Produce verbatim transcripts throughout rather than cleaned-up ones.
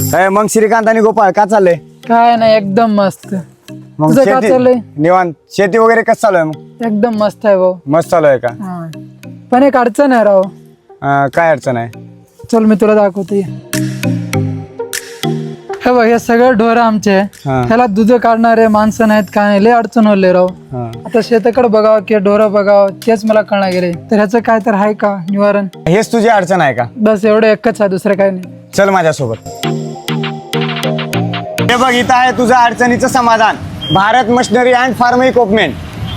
काय मग श्रीकांत आणि गोपाळ का चाललंय? काय नाही, एकदम मस्त. मग तुझं काय शेती चाललंय? निवांत, शेती वगैरे कसं चालू आहे? मग एकदम मस्त आहे भाऊ. मस्त चालू आहे का? हा. पण एक अडचण आहे राव. अं, काय अडचण आहे? चल मी तुला दाखवते. हे बघ, हे सगळे ढोर आमचे आहे. हा. ह्याला दूध काढणारे माणसं नाहीत, काय नाही, लय अडचण होले राव. हा. आता शेताकडे बघावं की ढोर बघावं तेच मला कळणार गेले. तर ह्याचं काय तर आहे का निवारण? हेच तुझी अडचण आहे का? बस एवढं एकच आहे, दुसरं काही नाही. चल माझ्यासोबत. हे बघ, इथं आहे तुझं अडचणीचं समाधान. Bharat machinery and farm equipment.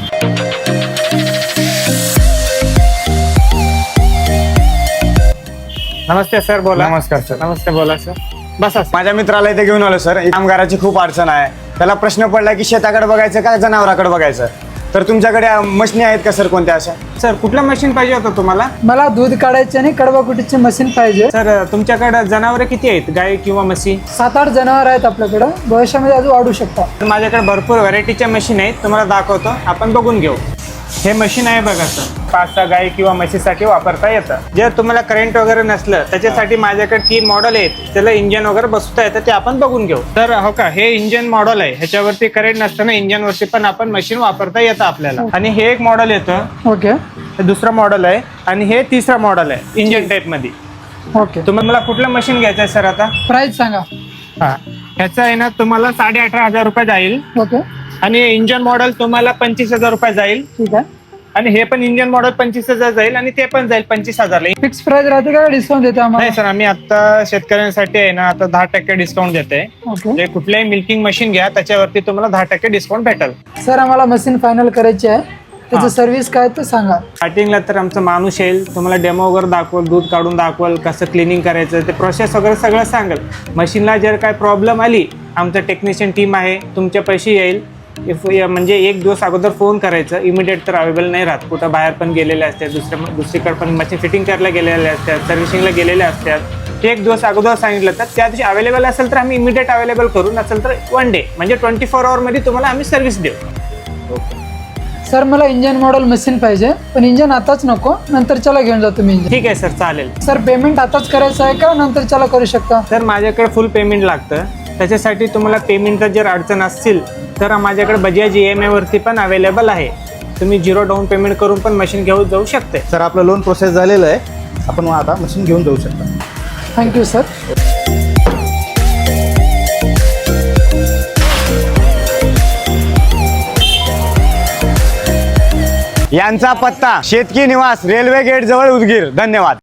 नमस्ते सर, बोला. नमस्कार सर. नमस्ते, बोला सर. बसा सर. माझ्या मित्राला इथे घेऊन आलो सर. कामगाराची खूप अडचण आहे. त्याला प्रश्न पडला की शेताकडे बघायचं का जनावराकडे बघायचं. तर तुमच्याकडे मशिनी आहेत का सर कोणत्या अशा? सर, कुठलं मशीन पाहिजे होतं तुम्हाला? मला दूध काढायचे आणि कडबाकुटीची मशीन पाहिजे. सर, तुमच्याकडे जनावरे किती आहेत, गाय किंवा म्हशी? सात आठ जनावर आहेत आपल्याकडं, भविष्यामध्ये अजून वाढू शकतात. तर माझ्याकडे भरपूर व्हरायटीच्या मशीन आहेत, तुम्हाला दाखवतो, आपण बघून घेऊ. हे मशीन आहे बघा सर, पाच सहा गाय किंवा म्हशीसाठी वापरता येतं. जर तुम्हाला करंट वगैरे नसलं त्याच्यासाठी माझ्याकडे तीन मॉडेल आहेत, त्याला इंजन वगैरे बसवता येतं, ते आपण बघून घेऊ. तर हो का, हे इंजन मॉडेल आहे, ह्याच्यावरती करंट नसतं ना, इंजन वरती पण आपण मशीन वापरता येतं आपल्याला. आणि हे एक मॉडेल येतं, ओके हे दुसरं मॉडेल आहे, आणि हे तिसरं मॉडेल आहे इंजन टाईप मध्ये. ओके. तुम्हाला कुठलं मशीन घ्यायचं आहे सर आता? प्राइस सांगा. हा, ह्याचं आहे ना तुम्हाला साडे अठरा हजार रुपये जाईल, ओके, आणि इंजन मॉडेल तुम्हाला पंचवीस हजार रुपये जाईल, ठीक आहे. आणि हे पण इंजन मॉडेल पंचवीस हजार जाईल, आणि ते पण जाईल पंचवीस हजारला. फिक्स प्राइस राहते का, डिस्काउंट देते आम्हाला? नाही सर, आम्ही आता शेतकऱ्यांसाठी आहे ना आता दहा टक्के डिस्काउंट देते. ओके. म्हणजे कुठल्याही मिल्किंग मशीन घ्या त्याच्यावरती तुम्हाला दहा टक्के डिस्काउंट भेटेल. सर, आम्हाला मशीन फायनल करायची आहे, त्याचं सर्व्हिस काय ते सांगा. स्टार्टिंगला तर आमचा माणूस येईल, तुम्हाला डेमो वगैरे दाखवल, दूध काढून दाखवल, कसं क्लिनिंग करायचं ते प्रोसेस वगैरे सगळं सांगेल. मशीनला जर काय प्रॉब्लेम आली, आमचं टेक्निशियन टीम आहे, तुमच्या पैसे येईल. इफ म्हणजे एक दिवस अगोदर फोन करायचं, इमिडिएट तर अवेलेबल नाही राहत, कुठं बाहेर पण गेलेले असतात, दुसऱ्या दुसरीकडे पण मशीन फिटिंग करायला गेलेले असतात, सर्व्हिसिंगला गेलेले असतात. ते एक दिवस अगोदर सांगितलं तर त्या दिवशी अवेलेबल असेल तर आम्ही इमिडिएट अवेलेबल करू, नसेल तर वन डे म्हणजे ट्वेंटी फोर आवरमध्ये तुम्हाला आम्ही सर्व्हिस देऊ. सर, मला इंजन मॉडेल मशीन पाहिजे, पण इंजन आताच नको, नंतरच्याला घेऊन जा तुम्ही इंजन. ठीक आहे सर, चालेल. सर, पेमेंट आताच करायचं आहे का नंतरच्याला करू शकता? सर, माझ्याकडे फुल पेमेंट लागतं, त्याच्यासाठी तुम्हाला पेमेंटचा जर अडचण असतील तर माझ्याकडे बजाज ई एम आयवरती पण अवेलेबल आहे, तुम्ही झिरो डाऊन पेमेंट करून पण मशीन घेऊन जाऊ शकते. सर, आपलं लोन प्रोसेस झालेलं आहे, आपण आता मशीन घेऊन जाऊ शकता. Thank you sir. यांचा पत्ता शेतकी निवास, रेल्वे गेट जवळ, उदगीर. धन्यवाद.